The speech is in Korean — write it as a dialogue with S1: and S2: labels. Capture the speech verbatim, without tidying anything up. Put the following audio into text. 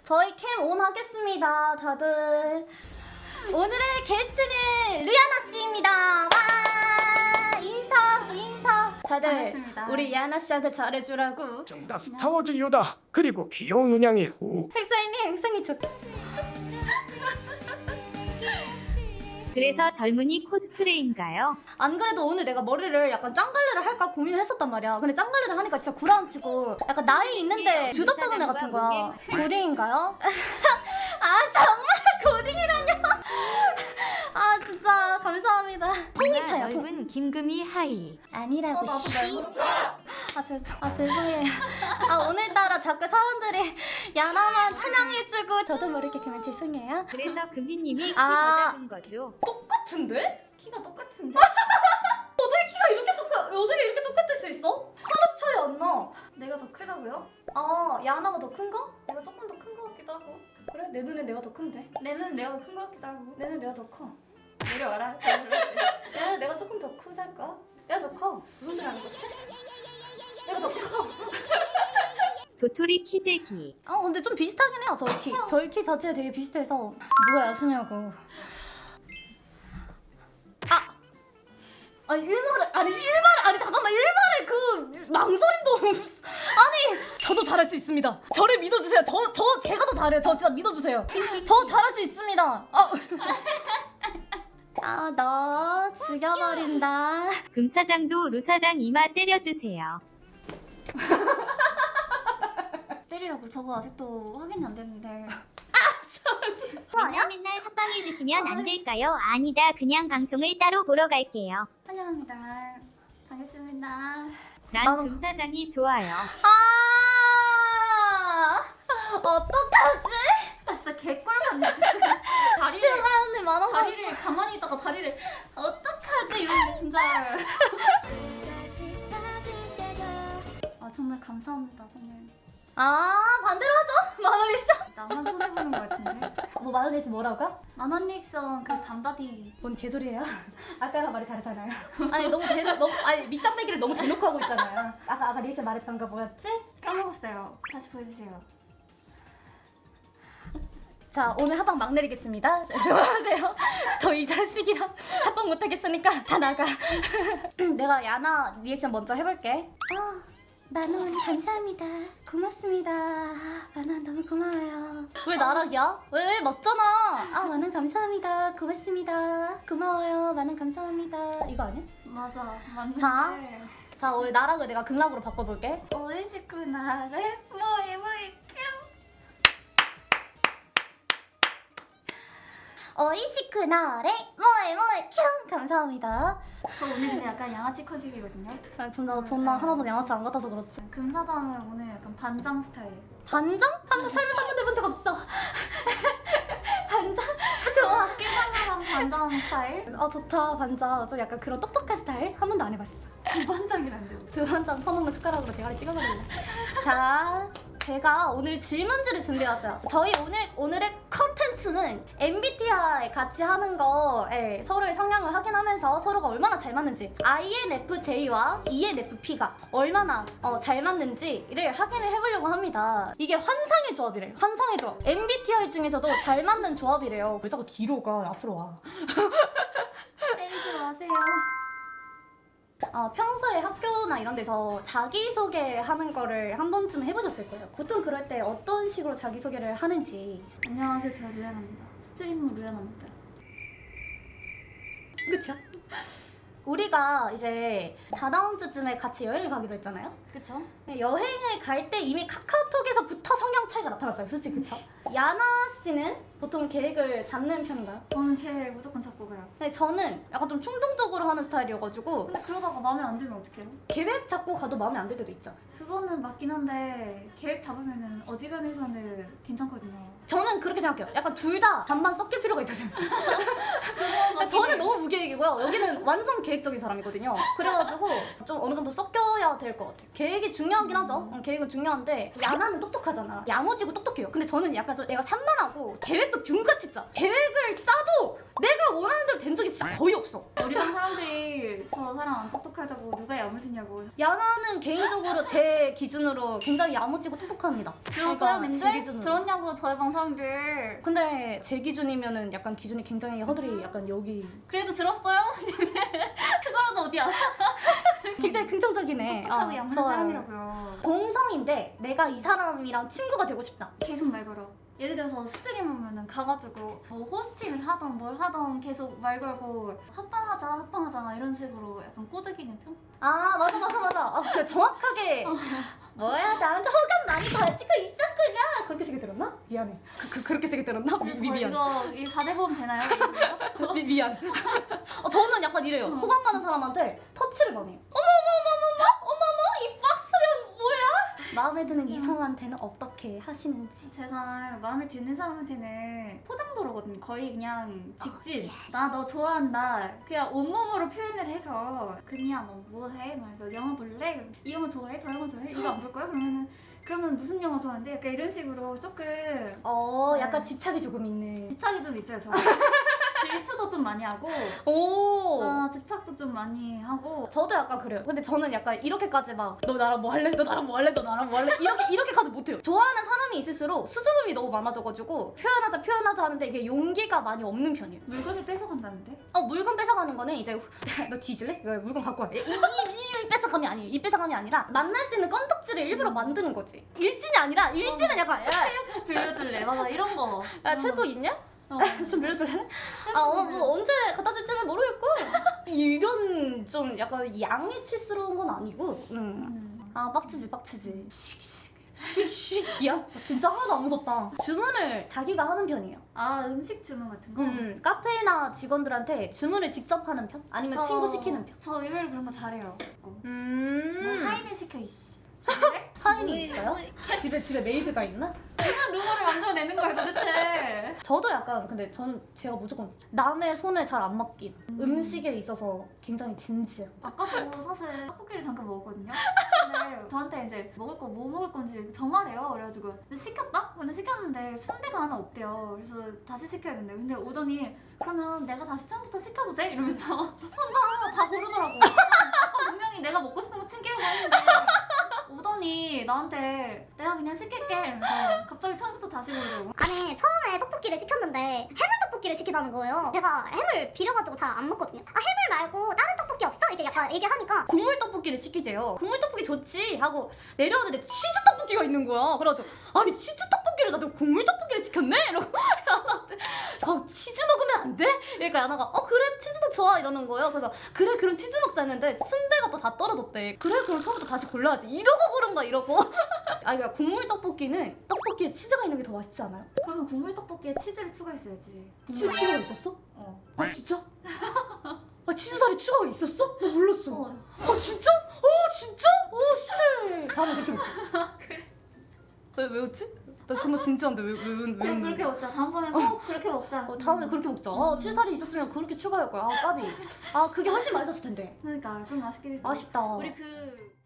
S1: 저희 캠 온 하겠습니다, 다들. 오늘의 게스트는 류야나 씨입니다. 와, 인사, 인사. 다들
S2: 반갑습니다.
S1: 우리 야나 씨한테 잘해주라고.
S3: 정답 스타워즈 요다. 그리고 귀여운 은양이 후.
S1: 행사님, 생일 축.
S4: 그래서 젊은이 코스프레인가요?
S1: 안 그래도 오늘 내가 머리를 약간 짱갈래를 할까 고민을 했었단 말이야. 근데 짱갈래를 하니까 진짜 구라치고 약간 나이 있는데 주접다는 애 같은 거야. 고딩인가요? 아 정말 고딩이라뇨? 아 진짜 감사합니다. 통이차야 통.
S4: 넓은 김금이 하이.
S1: 아니라고.
S2: 어, 나도
S1: 씨.
S2: 넓은
S1: 아 죄송. 아 죄송해요. 아 오늘따라 자꾸 사람들이 야나만 찬양해주고 저도 모르게 그만 죄송해요.
S4: 그래서 금희님이 키
S1: 아.
S4: 더 작은 거죠.
S1: 똑같은데?
S2: 키가 똑같은데?
S1: 어떻게 키가 이렇게 똑같? 어떻게 이렇게 똑같을 수 있어? 하나 차이 안 나.
S2: 내가 더 크다고요?
S1: 아 야나가 더 큰가?
S2: 내가 조금 더 큰 것 같기도 하고.
S1: 그래? 내 눈에 내가 더 큰데?
S2: 내 눈은 내가 더 큰 것 같기도 하고.
S1: 내 눈에 내가 더 커.
S2: 내려와라. 저 내려와.
S1: 내 눈에 내가 조금 더 크달까? 내가 더 커. 무슨 소리 하는 거지? 내가 더 커.
S4: 도토리 키재기.
S1: 아 근데 좀 비슷하긴 해요 저희 키. 저희 키 자체가 되게 비슷해서 누가 야수냐고. 아! 아니 일말을 아니 일말을 아니 잠깐만 일말을 그 망설임도 없어. 아니 저도 잘할 수 있습니다. 저를 믿어주세요. 저 저 제가 더 잘해요. 저 진짜 믿어주세요. 저 잘할 수 있습니다. 아, 아 너 죽여버린다.
S4: 금사장도 루사장 이마 때려주세요.
S2: 때리라고. 저거 아직도 확인이 안 됐는데.
S4: 맨날 맨날 합방해주시면 안 될까요? 아니다. 그냥 방송을 따로 보러 갈게요.
S2: 환영합니다. 반갑습니다.
S4: 난
S1: 나는-
S4: 금사장이 좋아요.
S1: 아 어떡하지?
S2: 아 진짜 개꿀 맞네. 진짜. 다리를
S1: 시우가 언니 만원 사
S2: 다리를 가만히 있다가 다리를 어떡하지 이러는데 진짜. 아 정말 감사합니다 정말.
S1: 아 반대로 하죠. 만원 리액션.
S2: 나만 손해 보는 것 같은데.
S1: 뭐 만원 리액션 뭐라고요?
S2: 만원 리액션 그 담다디.
S1: 뭔 개소리예요? 아까랑 말이 다르잖아요. 아니 너무 대놓 너무 아니 밑장 빼기를 너무 대놓고 하고 있잖아요. 아까 아까 리액션 말했던 거 뭐였지?
S2: 까먹었어요. 다시 보여주세요.
S1: 자 오늘 합방 막 내리겠습니다. 죄송하세요. 저 이 자식이랑 합방 못하겠으니까 다 나가. 내가 야나 리액션 먼저 해볼게. 아 만원 감사합니다. 고맙습니다. 만원 너무 고마워요. 왜 나락이야? 왜, 왜 맞잖아. 아 만원 감사합니다. 고맙습니다. 고마워요. 만원 감사합니다. 이거 아니야?
S2: 맞아 맞는데.
S1: 자. 자 오늘 나락을 내가 극락으로 바꿔볼게.
S2: 오이시쿠나를 모이 모이 큐.
S1: 어이시크나레 뭐에 뭐에 켕 감사합니다.
S2: 저 오늘 근데 약간 양아치 컨셉이거든요.
S1: 난 존나 존나 하나도 양아치 안 같아서 그렇지.
S2: 금사장은 오늘 약간 반장 스타일.
S1: 반장? 한번 살면서 한 번도 해본 적 없어. 반장? 좋아.
S2: 깨발랄한 반장 스타일?
S1: 아 좋다 반장. 좀 약간 그런 똑똑한 스타일 한 번도 안 해봤어.
S2: 두 반장이란데.
S1: 두 반장 퍼먹는 숟가락으로 대가리 찍어버릴래. 자 제가 오늘 질문지를 준비해왔어요. 저희 오늘 오늘의 컨텐츠는 엠비티아이 같이 하는 거에 서로의 성향을 확인하면서 서로가 얼마나 잘 맞는지 아이엔에프제이와 이엔에프피가 얼마나 어, 잘 맞는지를 확인을 해보려고 합니다. 이게 환상의 조합이래요. 환상의 조합. 엠비티아이 중에서도 잘 맞는 조합이래요. 왜 자꾸 뒤로 가? 앞으로 와.
S2: 때리지 마세요.
S1: 어, 평소에 학교나 이런 데서 자기소개 하는 거를 한 번쯤 해보셨을 거예요. 보통 그럴 때 어떤 식으로 자기소개를 하는지.
S2: 안녕하세요, 저 루야나입니다. 스트리머 루야나입니다.
S1: 그쵸? 우리가 이제 다다음 주쯤에 같이 여행을 가기로 했잖아요?
S2: 그쵸?
S1: 여행을 갈 때 이미 카카오톡에서부터 성향 차이가 나타났어요. 솔직히 그쵸? 야나 씨는 보통 계획을 잡는 편인가요?
S2: 저는 걔 무조건 잡고 가요.
S1: 근데 저는 약간 좀 충동적으로 하는 스타일이어가지고
S2: 근데 그러다가 마음에 안 들면 어떡해요?
S1: 계획 잡고 가도 마음에 안 들 때도 있잖아요.
S2: 그거는 맞긴 한데 계획 잡으면은 어지간해서는 괜찮거든요.
S1: 저는 그렇게 생각해요. 약간 둘 다 반반 섞일 필요가 있다 생각해요. 근데 저는 너무 무계획이고요. 여기는 완전 계획적인 사람이거든요. 그래가지고 좀 어느 정도 섞여야 될 것 같아요. 계획이 중요하긴 하죠. 응, 계획은 중요한데 야나는 똑똑하잖아. 야무지고 똑똑해요. 근데 저는 약간 좀 애가 산만하고 계획도 균같이 짜. 계획을 짜도 내가 원하는 대로 된 적이 진짜 거의 없어.
S2: 우리 반 사람들이 저 사람 안 똑똑하다고 누가 야무지냐고.
S1: 야나는 개인적으로 제 기준으로 굉장히 야무지고 똑똑합니다.
S2: 들었어요,
S1: 그러니까
S2: 님들?
S1: 제 기준으로.
S2: 들었냐고 저희 방 사람들.
S1: 근데 제 기준이면은 약간 기준이 굉장히 허들이 약간 여기
S2: 그래도 들었어요? 님들? 그거라도 어디야?
S1: 굉장히 긍정적이네.
S2: 똑똑하고
S1: 어,
S2: 야무진
S1: 좋아요.
S2: 사람이라고요.
S1: 동성인데 내가 이 사람이랑 친구가 되고 싶다.
S2: 계속 말 걸어. 예를 들어서 스트림 하면은 가가지고 뭐 호스팅을 하던 뭘 하던 계속 말 걸고 합방하자 합방하자 이런 식으로 약간 꼬드기는 편?
S1: 아 맞아 맞아 맞아. 아, 그래 정확하게 뭐야 나한테 호감 많이 가지고 있었구나. 그렇게 세게 들었나? 미안해. 그, 그, 그렇게 세게 들었나? 미, 미,
S2: 저
S1: 미안.
S2: 이거 이 사 대 보험 되나요? 이거?
S1: 미, 미안. 어, 저는 약간 이래요.
S2: 어.
S1: 호감 가는 사람한테 터치를 많이 해요. 어머머머머머 어머머 이 박스는 뭐야? 마음에 드는 이성한테는 어떻게 하시는지.
S2: 제가 마음에 드는 사람한테는 포장도로거든요. 거의 그냥 직진. 나 너 좋아한다. 그냥 온몸으로 표현을 해서 금이야 너 뭐해? 말해서 영화 볼래? 이러면 이 영화 좋아해? 저 영화 좋아해? 이거 안 볼 거야? 그러면은 그러면 무슨 영화 좋아하는데? 약간 이런 식으로 조금
S1: 어 약간
S2: 네.
S1: 집착이 조금 있는.
S2: 집착이 좀 있어요. 저 질투도 좀 많이 하고
S1: 오.
S2: 어, 집착도 좀 많이 하고
S1: 저도 약간 그래요. 근데 저는 약간 이렇게까지 막 너 나랑 뭐 할래? 너 나랑 뭐 할래? 너 나랑 뭐 할래? 이렇게 이렇게까지 못해요. 좋아하는 사람이 있을수록 수줍음이 너무 많아져가지고 표현하자 표현하자 하는데 이게 용기가 많이 없는 편이에요.
S2: 물건을 뺏어간다는데?
S1: 어 물건 뺏어가는 거는 이제 너 뒤질래? 왜 물건 갖고 와? 이, 이, 이, 이 뺏어감이 아니에요. 이 뺏어감이 아니라 만날 수 있는 건덕지를 일부러 만드는 거지. 일진이 아니라 일진은 약간 야,
S2: 체육복 빌려줄래? 맞아 이런 거.
S1: 야 체복 있냐?
S2: 어.
S1: 좀 빌려줄래?
S2: 체육복
S1: 아, 어,
S2: 빌려-
S1: 뭐 언제 갖다 줄지는 모르겠고 이런 좀 약간 양이치스러운 건 아니고 음.
S2: 음.
S1: 아 빡치지 빡치지 씩씩이야? 진짜 하나도 안 무섭다. 주문을 자기가 하는 편이에요.
S2: 아 음식 주문 같은 거?
S1: 음, 카페나 직원들한테 주문을 직접 하는 편? 아니면
S2: 저-
S1: 친구 시키는 편?
S2: 저 의외로 그런 거 잘해요. 뭐
S1: 음
S2: 하인을 시켜 이씨. 그래?
S1: 하인이 있어요? 집에 집에 메이드가 있나?
S2: 무슨 루머를 만들어내는 거야 도대체?
S1: 저도 약간 근데 저는 제가 무조건 남의 손에 잘 안 맡긴 음. 식에 있어서 굉장히 진지해요.
S2: 아까도 사실 떡볶이를 잠깐 먹었거든요. 근데 저한테 이제 먹을 거 뭐 먹을 건지 정하래요. 그래가지고 근데 시켰다? 근데 시켰는데 순대가 하나 없대요. 그래서 다시 시켜야 된대요. 근데 오더니 그러면 내가 다시 처음부터 시켜도 돼? 이러면서 혼자 다 고르더라고. 아까 분명히 내가 먹고 싶은 거 챙기려고 했는데 오더니 나한테 내가 그냥 시킬게 이러면서 갑자기 처음부터 다시 고르더라고.
S5: 아니 처음에 떡볶이를 시켰는데 해물 떡볶이를 시키자는 거예요. 제가 해물 비려가지고 잘 안 먹거든요. 아 해물 말고 다른 떡볶이 없어? 이렇게 약간 얘기하니까
S1: 국물 떡볶이를 시키재요. 국물 떡볶이 좋지 하고 내려오는데 치즈 떡볶이가 있는 거야. 그래가지고 아니 치즈 떡볶이를 나도 국물 떡볶이를 시켰네? 이러고 야나한테 어, 치즈 먹으면 안 돼? 그러니까 야나가 어 그래 치즈도 좋아 이러는 거예요. 그래서 그래 그럼 치즈 먹자 했는데 순대가 또 다 떨어졌대. 그래 그럼 처음부터 다시 골라야지 이러고 고른 거야 이러고. 아니 그러니까 국물 떡볶이는 떡볶이에 치즈가 있는 게 더 맛있지 않아요?
S2: 그러면 국물 떡볶이에 치즈를 추가했어야지.
S1: 치즈가 있었어?
S2: 어.
S1: 아 진짜? 아 치즈살이 추가가 있었어? 나 몰랐어.
S2: 어.
S1: 아 진짜? 어 진짜? 어 신해. 다음에 그렇게 먹자.
S2: 그래.
S1: 왜, 왜 웃지? 나 정말 진지한데 왜, 왜, 왜, 왜
S2: 그래 그렇게 먹자. 다음번에 꼭 그렇게 먹자.
S1: 어, 다음에 그렇게 먹자. 아 치즈살이 있었으면 그렇게 추가할 거야. 아 까비. 아 그게 훨씬 맛있었을 텐데.
S2: 그러니까 좀 맛있게 됐어.
S1: 아쉽다.
S2: 우리 그